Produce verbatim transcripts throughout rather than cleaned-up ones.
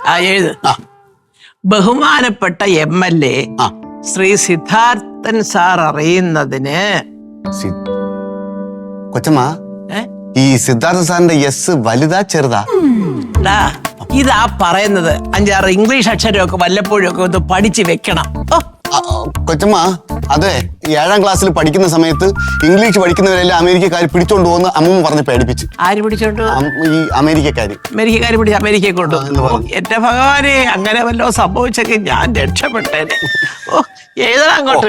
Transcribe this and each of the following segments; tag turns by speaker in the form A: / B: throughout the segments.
A: ആ എഴുത്. ബഹുമാനപ്പെട്ട M L A Shri Siddharthan sir അറിയുന്നതിന്.
B: കൊച്ചമ്മ, ഈ സിദ്ധാർത്ഥ സാറിന്റെ എസ് വലുതാ ചെറുതാ?
A: ഇതാ പറയുന്നത് അഞ്ചാറ് ഇംഗ്ലീഷ് അക്ഷരമൊക്കെ വല്ലപ്പോഴും ഒക്കെ ഒന്ന് പഠിച്ചു വെക്കണം.
B: കൊച്ചമ്മ, അതെ, ഏഴാം ക്ലാസ്സിൽ പഠിക്കുന്ന സമയത്ത് ഇംഗ്ലീഷ് പഠിക്കുന്നവരെല്ലാം അമേരിക്കക്കാർ പിടിച്ചോണ്ട് പോകുന്ന അമ്മ പറഞ്ഞ് പേടിപ്പിച്ചു.
A: ആര് പിടിച്ചോണ്ട്?
B: ഈ അമേരിക്കക്കാര്.
A: അമേരിക്കക്കാര് പിടിച്ച് അമേരിക്കയെ കൊണ്ടു. എന്റെ ഭഗവാനെ, അങ്ങനെ വല്ലോ സംഭവിച്ചെങ്കിൽ ഞാൻ രക്ഷപ്പെട്ടേനെ. ഓ, ഏതാ അങ്ങോട്ട്?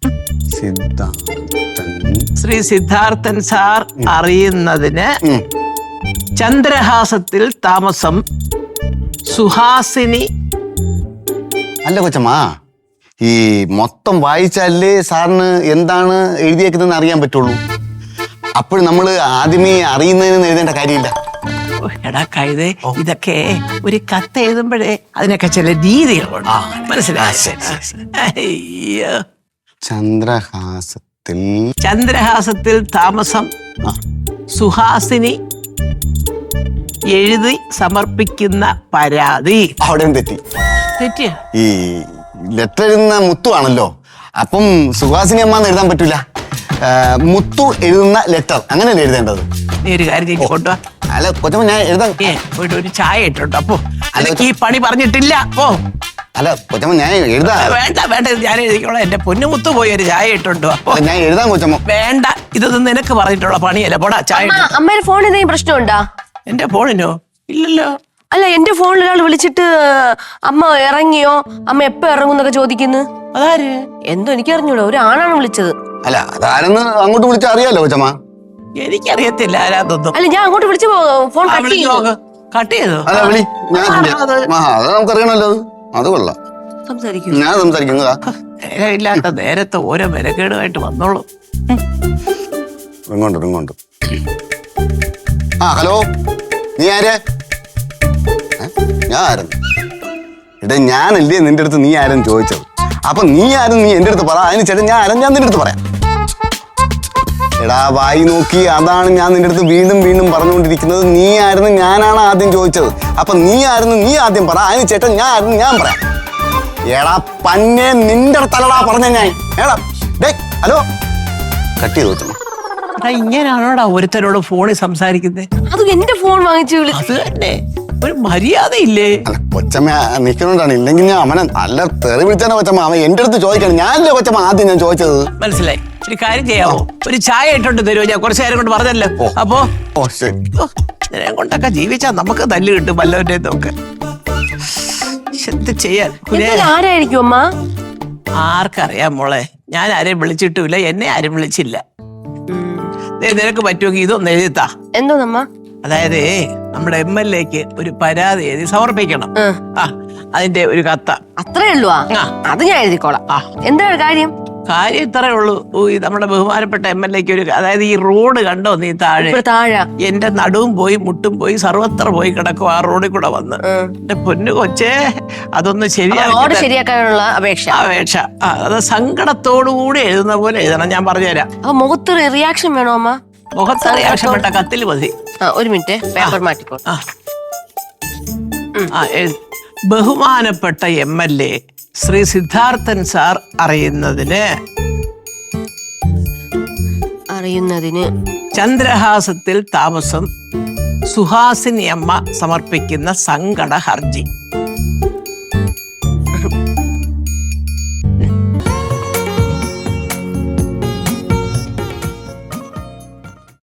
A: ശ്രീ സിദ്ധാർത്ഥൻ സാർ അറിയുന്നതിന് ചന്ദ്രഹാസത്തിൽ താമസം സുഹാസിനി.
B: അല്ല കൊച്ചമ്മ, ഈ മൊത്തം വായിച്ചാലേ സാറിന് എന്താണ് എഴുതിയേക്കുന്നതെന്ന് അറിയാൻ പറ്റുള്ളൂ. അപ്പോൾ നമ്മൾ ആദ്യമേ അറിയുന്നതിന് എഴുതേണ്ട കാര്യമില്ല.
A: എടാ കഴുതേ, ഇതൊക്കെ ഒരു കത്ത് എഴുതുമ്പോഴേ അതിനൊക്കെ ചില രീതികളുണ്ട്, മനസ്സിലായി?
B: ചന്ദ്രഹാസത്തിൽ
A: ചന്ദ്രഹാസത്തിൽ താമസം സുഹാസിനി എഴുതി സമർപ്പിക്കുന്ന പരാതി.
B: അവിടെയും തെറ്റി.
A: തെറ്റിയ?
B: ഈ ലെറ്റർ എഴുതുന്ന മുത്തു ആണല്ലോ, അപ്പം സുഹാസിനി അമ്മ എഴുതാൻ പറ്റൂല. മുത്തു എഴുതുന്ന ലെറ്റർ അങ്ങനെയല്ലേ എഴുതേണ്ടത്?
A: നീ ഒരു കാര്യം ചെയ്ത് കൊണ്ടുവാ.
B: അല്ല കൊച്ചമ്മ, ഞാൻ എഴുതാൻ
A: പോയിട്ട് ഒരു ചായ ഇട്ടുണ്ട്. അപ്പോ അല്ലെങ്കിൽ ഈ പണി പറഞ്ഞിട്ടില്ല. ഓ
B: അല്ല കൊച്ചമ്മ, ഞാൻ എഴുതാ.
A: വേണ്ട വേണ്ട, ഞാൻ എഴുതിക്കോളാം. എന്റെ പൊന്നുമുത്ത് പോയി ഒരു ചായ ഇട്ടുണ്ടോ? അപ്പൊ
B: ഞാൻ എഴുതാൻ കൊച്ചമ്മ.
A: വേണ്ട, ഇതൊന്നും നിനക്ക് പറഞ്ഞിട്ടുള്ള പണിയല്ല. പോടാ ചായ.
C: അമ്മയുടെ ഫോൺ എന്തെങ്കിലും പ്രശ്നമുണ്ടാ?
A: എന്റെ ഫോണിനോ? ഇല്ലല്ലോ.
C: അല്ല, എന്റെ ഫോണിൽ ഒരാൾ വിളിച്ചിട്ട് അമ്മ ഇറങ്ങിയോ, അമ്മ എപ്പോ ഇറങ്ങുന്നൊക്കെ ചോദിക്കുന്നു.
A: അതാര്?
C: എന്തോ എനിക്ക് അറിഞ്ഞൂടോ, ഒരു ആണാണ് വിളിച്ചത്.
B: അല്ല, അതാരെന്ന് അങ്ങോട്ട് വിളിച്ചാ അറിയാലോ കൊച്ചമ്മ.
A: എനിക്കറിയത്തില്ല ആരാതൊന്നും.
C: അല്ല, ഞാൻ അങ്ങോട്ട് വിളിച്ച ഫോൺ കട്ട് ചെയ്തു.
A: കട്ട് ചെയ്തോ?
B: അല്ല വിളി, ഞാൻ അത് നമുക്കറിയണല്ലോ. അത് കൊള്ളാം,
C: സംസാരിക്കും.
B: ഞാൻ സംസാരിക്കുന്നതാ.
A: നേരമില്ലാത്ത നേരത്തെ ഓരോ മെനക്കേടുമായിട്ട് വന്നോളൂ.
B: ഇങ്ങോട്ട് ഇങ്ങോട്ട്. ആ ഹലോ, നീ ആര്? ഞാൻ ആരെന്ന്? എടാ, ഞാനല്ലേ നിന്റെ അടുത്ത് നീ ആരെന്ന് ചോദിച്ചത്. അപ്പൊ നീ ആരും നീ എന്റെ അടുത്ത് പറ. അതിന് ചേട്ടൻ ഞാൻ ആരും ഞാൻ നിന്റെ അടുത്ത് പറയാം. എടാ, വായി നോക്കി, അതാണ് ഞാൻ നിന്റെ അടുത്ത് വീണ്ടും വീണ്ടും പറഞ്ഞുകൊണ്ടിരിക്കുന്നത്. നീ ആയിരുന്നു ഞാനാണ് ആദ്യം ചോദിച്ചത്. അപ്പൊ നീ ആയിരുന്നു നീ ആദ്യം പറ. അതിന് ചേട്ടൻ ഞാൻ ആയിരുന്നു ഞാൻ പറയാം. എടാ പന്നെ, നിന്റെ അടുത്തല്ലടാ പറഞ്ഞ ഞാൻ. എടാ ഡേ, ഹലോ, കട്ട് ചെയ്ത് വെച്ചോ.
A: ഇങ്ങനെയാണോടാ ഒരുത്തരോട് ഫോണിൽ സംസാരിക്കുന്നത്?
C: അത് എന്റെ ഫോൺ വാങ്ങിച്ചു വിളി.
A: അത് തന്നെ ഒരു മര്യാദയില്ലേ?
B: അല്ല കൊച്ചമ്മ നിൽക്കുന്നോണ്ടാണ്, ഇല്ലെങ്കിൽ ഞാൻ അവനെ നല്ല തെറി വിളിച്ചാണ് കൊച്ചമ്മ. അവൻ എന്റെ അടുത്ത് ചോദിക്കണം. ഞാനല്ലേ കൊച്ചമ്മ ആദ്യം ഞാൻ ചോദിച്ചത്.
A: മനസ്സിലായി. ഒരു കാര്യം ചെയ്യാവോ? ഒരു ചായ ഇട്ടോണ്ട് തരുമോ? ഞാൻ കുറച്ചു നേരം കൊണ്ട് പറഞ്ഞല്ലോ. അപ്പോ
B: ഓ ശരി.
A: ഇതിനെ കൊണ്ടൊക്കെ ജീവിച്ചാ നമുക്ക് തല്ല് കിട്ടും വല്ലവരുടെ ഒക്കെ. എന്ത് ചെയ്യാൻ?
C: ആരായിരിക്കും അമ്മ?
A: ആർക്കറിയാം മോളെ. ഞാൻ ആരെയും വിളിച്ചിട്ടുമില്ല, എന്നെ ആരും വിളിച്ചില്ല. നിനക്ക് പറ്റുമെങ്കിൽ ഇതൊന്ന് എഴുതിത്താ.
C: എന്തോന്നമ്മ?
A: അതായത് നമ്മുടെ എം എൽ എക്ക് ഒരു പരാതി എഴുതി സമർപ്പിക്കണം. ആ, അതിന്റെ ഒരു കത്ത.
C: അത്രേ ഉള്ളൂ? അത് ഞാൻ എഴുതിക്കോളാം. എന്താണ് കാര്യം?
A: കാര്യം ഇത്രേ ഉള്ളൂ. ഈ നമ്മുടെ ബഹുമാനപ്പെട്ട എം എൽ എക്ക് ഒരു, അതായത് ഈ റോഡ് കണ്ടോ നീ താഴെ?
C: താഴെ
A: എന്റെ നടുവും പോയി മുട്ടും പോയി സർവത്ര പോയി കിടക്കും ആ റോഡിൽ കൂടെ വന്ന്. എന്റെ പൊന്നു കൊച്ചേ, അതൊന്ന് ശരിയാക്കി
C: ശരിയാക്കാനുള്ള അപേക്ഷ
A: അപേക്ഷ അത് സങ്കടത്തോടുകൂടി എഴുതുന്ന പോലെ എഴുതണം. ഞാൻ പറഞ്ഞുതരാം.
C: അപ്പൊ മുഖത്ത് റിയാക്ഷൻ വേണോ അമ്മ?
A: മുഖത്ത് റിയാക്ഷൻ വേണ്ട, കത്തിൽ മതി.
C: ഒരു മിനിറ്റ്, പേപ്പർ മാറ്റിക്കോ.
A: ആ, ബഹുമാനപ്പെട്ട M L A Shri Siddharthan sir അറിയുന്നതിന്
C: അറിയുന്നതിന്
A: ചന്ദ്രഹാസത്തിൽ താമസം സുഹാസിനി അമ്മ സമർപ്പിക്കുന്ന സങ്കട ഹർജി.